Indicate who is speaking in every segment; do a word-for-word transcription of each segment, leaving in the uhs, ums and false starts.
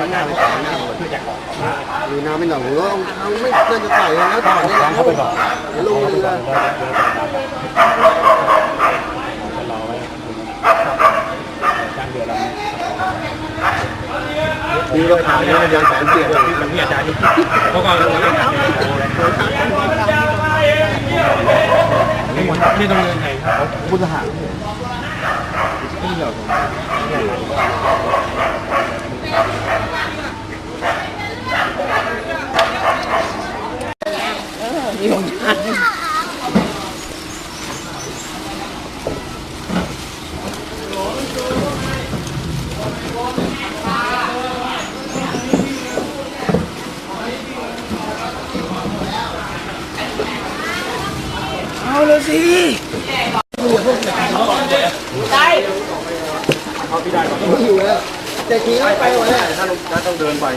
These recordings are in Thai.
Speaker 1: หน้าไปต่อหน้าหรือน้ำไม่หน่อยหรือว่าเอาไม่น่าจะใส่แล้วต่อเนี่ยเข้าไปก่อนเดี๋ยวลงเลยมีราคาเนี่ยยังแสนเจ็ดอย่างที่อาจารย์เขาก็นี่ต้องเงินไงครับพุทธหาที่เรามีของยาเอาเลยสิได้เอาพี่ได้ไม่อยู่แล้วแต่ขี่ไม่ไปวันนี้ถ้าถ้าต้องเดินไป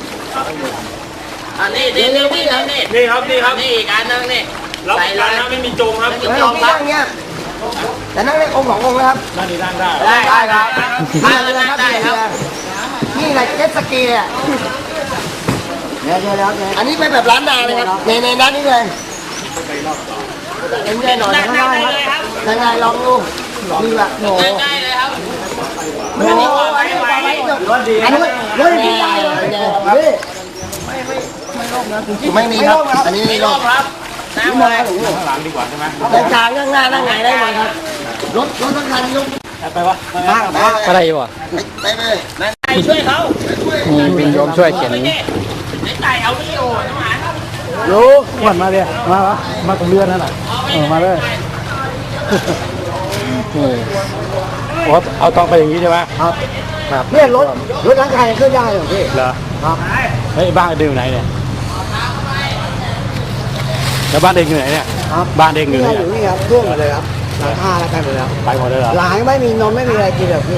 Speaker 2: อันนี้นี่นี่นี่นี่
Speaker 3: นี่ครับนี่ครับ
Speaker 2: นี่อีกอันนึงนี่
Speaker 3: ใส่ร้านน้ำไม่มีจมครับ
Speaker 1: ไม่จมครับเนี่ยแต่นั่งได้องค์สององค์นะครับ
Speaker 3: นั่งนี่นั่งได้
Speaker 2: ได้
Speaker 1: ได้ครับ
Speaker 2: ได้เลยครับได้ครับ
Speaker 1: นี่แหละเจ็ตสกีอ่ะเดี๋ยวเดี๋ยวเดี๋ยวอันนี้เป็นแบบร้านนาเลยครับในในร้านนี้เลยเอ็นได้หน่อยข้างหน้าครับยังไงลองดูนี่แบบโห
Speaker 2: ได้เลยครับ
Speaker 1: โอ้โหอันนี้ปลาไหลรถดีอันนี้รถดีได้เลยนี่ไม่ไม่ไม่ร่มนะไม่มีครับอันนี้ไม่ร่ม
Speaker 2: ครับน้ำเลย
Speaker 3: ข้างหลังดีกว่าใช่ไหม
Speaker 1: แต่กลางข้างหน้านั่งไงได้หมดครับรถรถทั้งคันยก
Speaker 3: ไปวะ
Speaker 1: มากนะ
Speaker 4: อะไรอยู่อ่ะ
Speaker 1: ไปเลย
Speaker 2: นั่นไก่ช่วยเขา
Speaker 4: มีโยมช่วยเขียน
Speaker 2: ไอ้ไก่เอาวิดีโอน้ำหมัน
Speaker 3: รู้ขวัญมาเลยมาวะมาตรงเรือนั่นแหละเออมาเลยโอ้เอาต้องไปอย่างนี้ใช่ไหม
Speaker 1: ครับครับเนี่ยรถรถทั้งคันขึ้นได้เหรอพี่
Speaker 3: เหรอ
Speaker 1: ครับ
Speaker 3: เฮ้ยบ้านเด็กอยู่ไหนเนี่ยแล้วบ้านเด็กอยู่ไหนเนี่ยบ้านเด็กอยู่ไหน
Speaker 1: อยู่นี่ครับเครื่องหมดเลยครับหลังคาแล้วไปหมดแล้ว
Speaker 3: ไปหมดเลยเหรอ
Speaker 1: หลังไม่มีนมไม่มีอะไรกินเลยพี่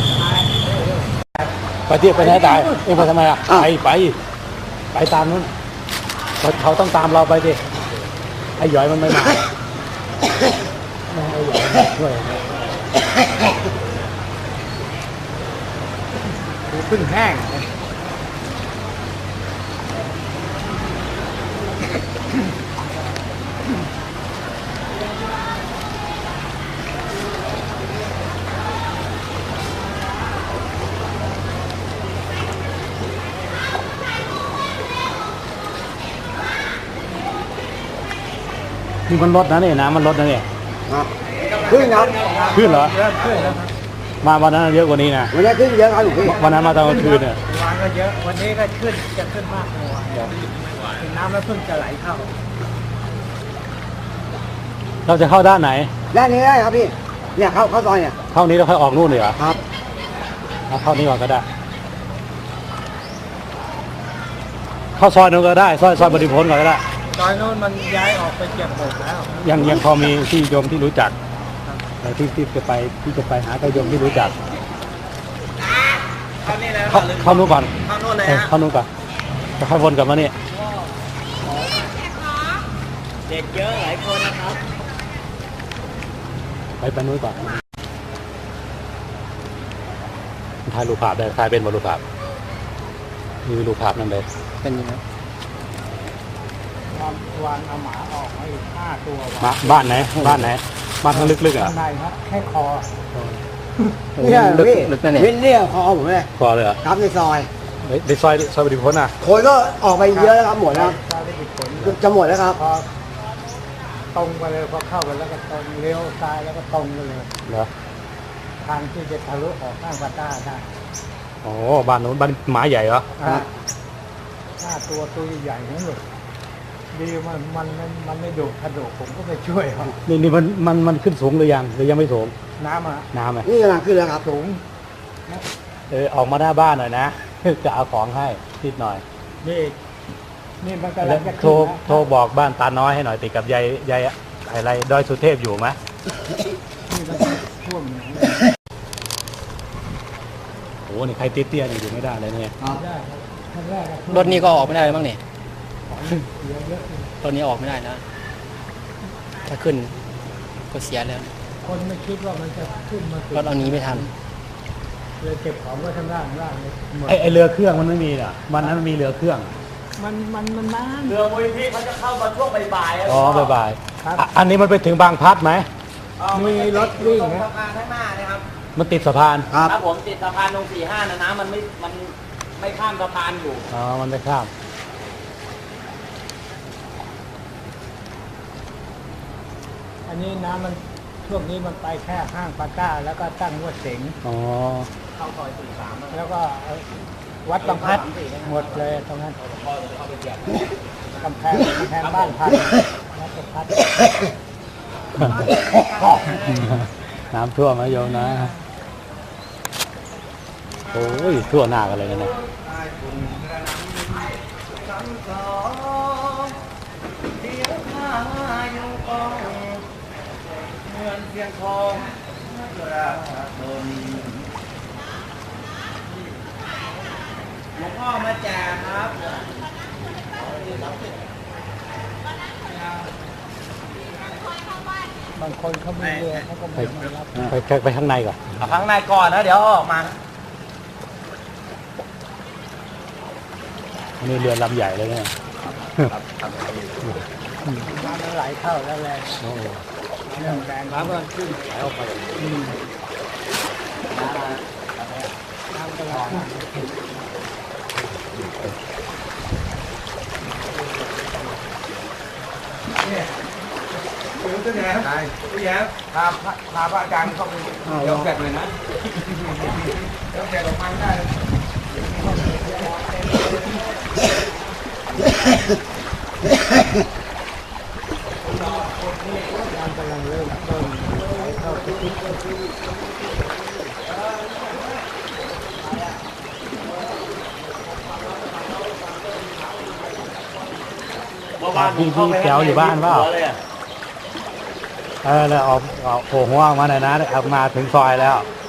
Speaker 3: ไปเที่ยวไปไหนตายเอ็งไปทำไมอ่ะไปไปไปตามนู้นเขาต้องตามเราไปดิไอ้หยอยมันไม่มาไม่ให้หยอยช่วย
Speaker 1: พึ่งแห้ง
Speaker 3: นี่มันลดนะเนี่ยน้ำมันลดนะเนี่ย
Speaker 1: ขึ้นครับ
Speaker 3: ขึ้นเหรอมาวันนั้นเยอะกว่านี้นะ
Speaker 1: วันนี้ขึ้นเยอะครับหลวงพี่
Speaker 3: วันนั้นมาตอนกลางคืนเนี่ย
Speaker 1: วันก็เยอะวันนี้ก็ขึ้นจะขึ้นมากกว่าน้ำแล้วเพิ่งจะไหลเข้า
Speaker 3: เราจะเข้าด้านไหน
Speaker 1: ด้านนี้ได้ครับพี่เนี่ยเข้าเข้าซอยเนี่ย
Speaker 3: เข้านี้เราค่อยออกนู่นเลยเหรอ
Speaker 1: ครับ
Speaker 3: เอาเข้านี้ก่อนก็ได้เข้าซอยนู้นก็ได้ซอยซอยบริพลก่อนก็ได้
Speaker 1: ซอยนู้นมันย้ายออกไปเก็บหมดแล้ว
Speaker 3: ยังยังพอมีที่โยมที่รู้จักที่ที่จะไปที่จะไปหาโยมที่รู้จักเข้าเข้านู้นก่อน
Speaker 1: เข้านู้นเลยฮะ
Speaker 3: เข้านู้นก่อนจะค่อยวนกลับมาเนี่ย
Speaker 2: เด็กเยอะหลายคนนะครับ
Speaker 3: ไปไปนู้นก่อนถ่ายรูปภาพได้ถ่ายเป็นบรรลุภาพมีรูปภาพนั่นเลย
Speaker 4: เป็นยังไง
Speaker 1: วานเอาหมาออกมาอีกห้าตัว
Speaker 3: มาบ้านไหนบ้านไหนบ้านทางลึกๆอ่ะ
Speaker 1: ได้ครับแค่คอ
Speaker 4: เนี่ยลึกลึกนั่นเอง
Speaker 1: เนี่ยคอผมเลย
Speaker 3: คอเลยเหรอ
Speaker 1: ครับในซอย
Speaker 3: ในซอยซอยบริพลอ่ะ
Speaker 1: คนก็ออกไปเยอะแล้วครับหมดแล้วจะหมดแล้วครับตรงไปเลยพอเข้าไปแล้วก็ตรงเลี้ยวซ้ายแล้วก็ตรงไปเลย
Speaker 3: เหรอ
Speaker 1: ทางที่จะทะลุออกข้างวัดต้าได้
Speaker 3: โอ้บ้านนู้นบ้านหมาใหญ่เหรอ
Speaker 1: ห้าตัวตัวใหญ่นั่นเลยดีมันมันมันไม่ดุกระโดดผมก็ไปช่วยเขา
Speaker 3: นี่นี่มันมันมันขึ้นสูงหรือยังหรือยังไม่สูง
Speaker 1: น้ำอ่ะ
Speaker 3: น้ำอ่ะ
Speaker 1: นี่กำลังขึ้นแล้วครับสูง
Speaker 3: เออออกมาหน้าบ้านหน่อยนะจะเอาของให้นิดหน่อย
Speaker 1: นี่นี่มันกำลังจะ
Speaker 3: โทรโทรบอกบ้านตาน้อยให้หน่อยติดกับยายยายอะไรดอยสุเทพอยู่ไหม
Speaker 1: นี่มันท่วม
Speaker 3: โอ้นี่ใครเตี้ยๆนี่อยู่ไม่ได้เลยเนี่ย
Speaker 4: รถนี้ก็ออกไม่ได้บ้างเนี่ยรถนี้ออกไม่ได้นะถ้าขึ้นก็เสียแล้ว
Speaker 1: คนไม่คิดว่ามันจะขึ้นมาร
Speaker 4: ถเอานี้ไม่ทัน
Speaker 3: เรือเก็บของก็ข้างล่างข้างล่างเลยไอไอเรือเครื่องมันไม่มีอ่ะวันนั้นมันมีเรือเครื่อง มันมันมันนาน
Speaker 2: เรือมูลนิธิเขาจะเข้ามาช่วงบ่ายๆ
Speaker 3: อ๋อบ่ายๆอ่ะอันนี้มันไปถึงบางพลัดไหม
Speaker 2: มีรถวิ่งสะพานข้างหน้านะครับ
Speaker 3: มันติดสะพาน
Speaker 1: ครับ
Speaker 2: ถ้าผมติดสะพานตรงสี่ห้านะน้ำมันไม่มันไม่ข้ามสะพานอยู่
Speaker 3: อ๋อมันไม่ข้ามอันนี้น้ำมันช่วงนี้มันไปแค่ห้างปาก้าแล้วก็ตั้งวัดเสงอ๋อ
Speaker 2: เข้าซอยสี่สาม
Speaker 3: แล้วก็วัดบางพลัดหมดเลยตรงนั้นกำแพงกำแพงบ้านพัดวัดบางพลัด น้ำท่วมนะโยมนะโอ้ยทั่วหน้ากันเลยนะเนี่ย
Speaker 2: หลวงพ่อมาแจกครับ
Speaker 3: บางคนเขาไม่เรือเขาก็ไม่มารับไปไปไปข้างในก่อน
Speaker 2: เอาข้างในก่อนนะเดี๋ยวออกมา
Speaker 3: อันนี้เรือลำใหญ่เลยเนี่ยน้ำไหลเข้าแล้วแรงโอ้โหแรงแรงน้ำมันขึ้นไหลออกไปน้ำตลอด
Speaker 2: พี่แย้มพี่แย้มพาพาพระอาจารย์เข้าไปยกแกะเลยนะยกแกะออกมาได้
Speaker 3: น้ำกำลังเริ่มต้นไหลเข้าไปที่พี่พี่แก้วอยู่บ้านเปล่าเออแล้วออกออกโผล่หัวออกมาหน่อยนะออกมาถึงซอยแล้ว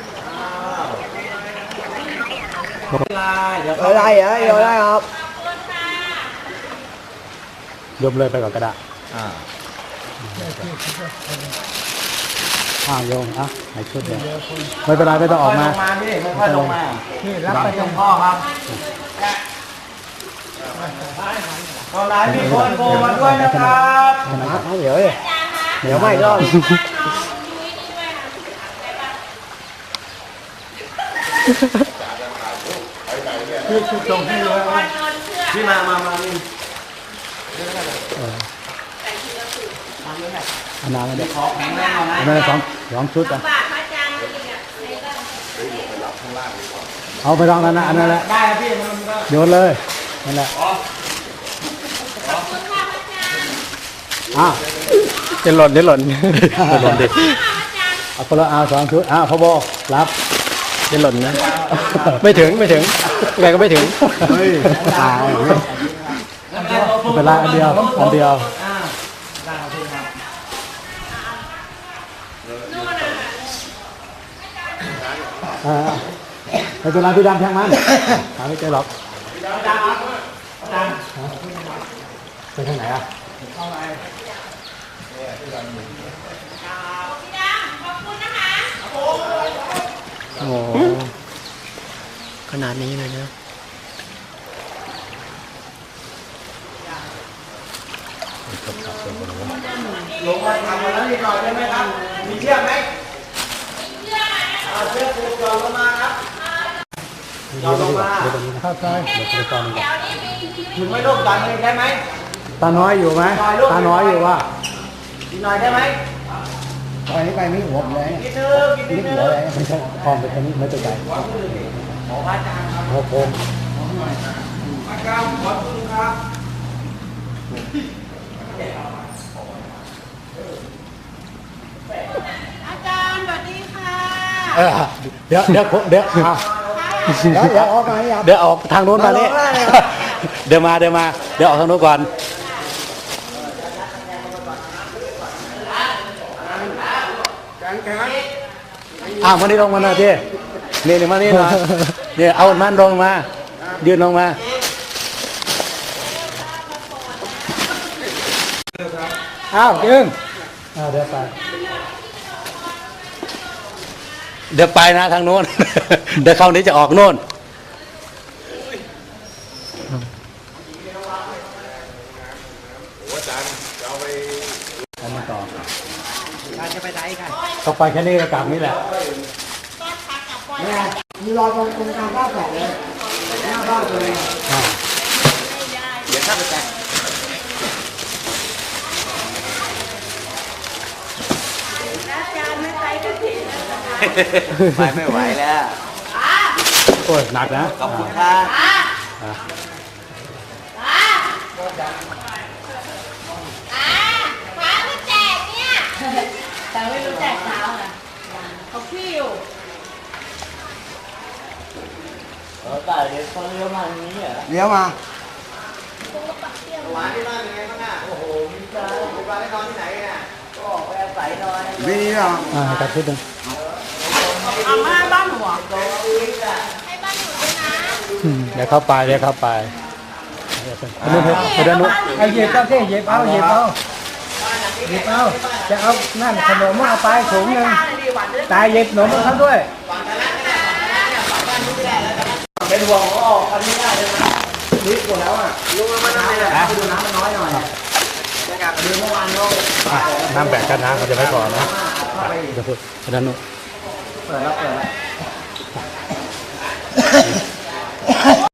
Speaker 2: เดี๋ยว
Speaker 1: อะไรเหรอเดี๋ยวได้ครับ
Speaker 3: รวมเลยไปก่อนก็ได้อ้าวโยมอ่ะไหนชุดเดียวไม่เป็นไรไม่ต้องออกมา
Speaker 2: ลงมาพี่ค่อยๆลงมานี่รับไปหลวงพ่อครับตอนนี้มีคนโทรมาด้วยนะครับ
Speaker 1: เดี๋ยวเดี๋ยวไม่รอด
Speaker 3: คือคือตรงที่เลย
Speaker 2: พี่มามามานี่
Speaker 3: อันนั้นเลย
Speaker 2: ขอแข็งแรงหน่อยนะ
Speaker 3: อันนั้นสองสองชุดอ่ะเอาไปลองนั้นนะอันนั้นแหละ
Speaker 2: ได้ครับพี่มันก็
Speaker 3: โยนเลยนั่นแหละอ้าวจะหล่นจะหล่นจะหล่นดิเอาคนละเอาสองชุดอ้าวพ่อโบรับจะหล่นนะไม่ถึงไม่ถึงยังไงก็ไม่ถึงเฮ้ยตายเป็นไรอันเดียวอันเดียวอ่าในตัวนั้นพี่ดำแทงมันหาไม่เจอหรอกไปทางไหนอ่ะโอ้
Speaker 4: ขนาดนี้เลยนะ
Speaker 2: ลงมาทำมาแล้วนิดหน่อยได้ไหมครับมีเชือกไหมมีเชือกไหมเอาเชือกผูกก่อนลงมาครับยอมลงมา
Speaker 3: เดี๋ยวตรงนี้นะเข้าซอยเดี๋ยวไปตอนนี้
Speaker 2: ถึงไม่ลูกดันเลยได้ไหม
Speaker 3: ตาน้อยอยู่ไหมตาน้อยอยู่ว่า
Speaker 2: อีกหน่อยได้ไหม
Speaker 1: ไปนี่ไปไม่หัวผมเลย
Speaker 2: กินนึงกิน
Speaker 1: นี่
Speaker 2: นึ
Speaker 1: หัว
Speaker 2: ง
Speaker 1: เลย
Speaker 3: ไม่ใช่คลองไปทางนี้ไม่ตัวใหญ่
Speaker 2: ขอพระอาจารย์ครับ
Speaker 3: โอ้โห
Speaker 2: อาจารย์ขอบคุณครับ
Speaker 5: อาจารย์สวัสดีค่ะ
Speaker 3: เออเดี๋ยวเดี๋ยวเดี๋ยวอ่ะ
Speaker 1: เดี๋ยวเดี๋ยวออกมาให้ครับ
Speaker 3: เดี๋ยวออกทางโน้นมานี่
Speaker 1: มาลงได้เลยครับ
Speaker 3: เดี๋ยวมาเดี๋ยวมาเดี๋ยวออกทางโน้นก่อนอ้าวมานี่ลงมาหน่อยพี่นี่นี่มานี่หน่อยเนี่ยเอามันลงมายืนลงมาอ้าวยืนอ้าวเดี๋ยวไปเดี๋ยวไปนะทางโน้น เดี๋ยวเข้านี้จะออกโน่นเอามาต่อ
Speaker 2: การจะไปไหนกัน
Speaker 3: เขาไปแค่นี้ก็กลับนี่แหละ
Speaker 1: เนี่ยมีรอยตรงตรงกลางบ้านแฝดเลยหน้าบ้านเลย
Speaker 3: อ่า
Speaker 2: เดี๋ยวข้าไปแต่ง
Speaker 5: อาจารย์ไม่ไปกันทีนะคะ
Speaker 2: ไปไม่ไหวแล้ว
Speaker 3: โอ้ยหนักนะ
Speaker 2: ขอบคุณครับ
Speaker 3: อ่า
Speaker 5: ฟ้าไม่แจกเนี่ย แต่ไม่รู้แจกเช้าน่ะเขาพี่อยู่
Speaker 1: เลี้ยวมา
Speaker 2: หวานที่บ้านเป็นไงบ้างอ่ะโอ้โหมีใจมีบ้านได้นอนที่ไหนเนี่ยก็ออกไปอาศัยนอน
Speaker 1: ไม่ดีหรอ
Speaker 3: อ่าตัดชุดหนึ่ง
Speaker 5: เอามาบ้านหัว
Speaker 3: อืมเดี๋ยวเข้าไปเดี๋ยวเข้าไปเดี๋ยวไปเดี๋ยวไปเดี๋ยวนู้น
Speaker 6: ไอ้เหยียบเอาสิเหยียบเอาเหยียบเอาเหยียบเอาจะเอานั่นขนมเอาไปถุงหนึ่งตายเหยียบขนมเขาด้วย
Speaker 2: เป็นห่วงเขาออกคันนี้ได้เลยนะนิดกว่าแล้วอ่ะลุงมาน้ำเลยนะดูน้ำมันน้อยหน่อยจะกลับดูเมื่อวานเขา
Speaker 3: อ่ะน้ำแบกกันนะเขาจะไม่พอนะอ่ะเดี๋ยวพูดเดี๋ยวนู้น
Speaker 2: เปิดแล้วเปิดแล้ว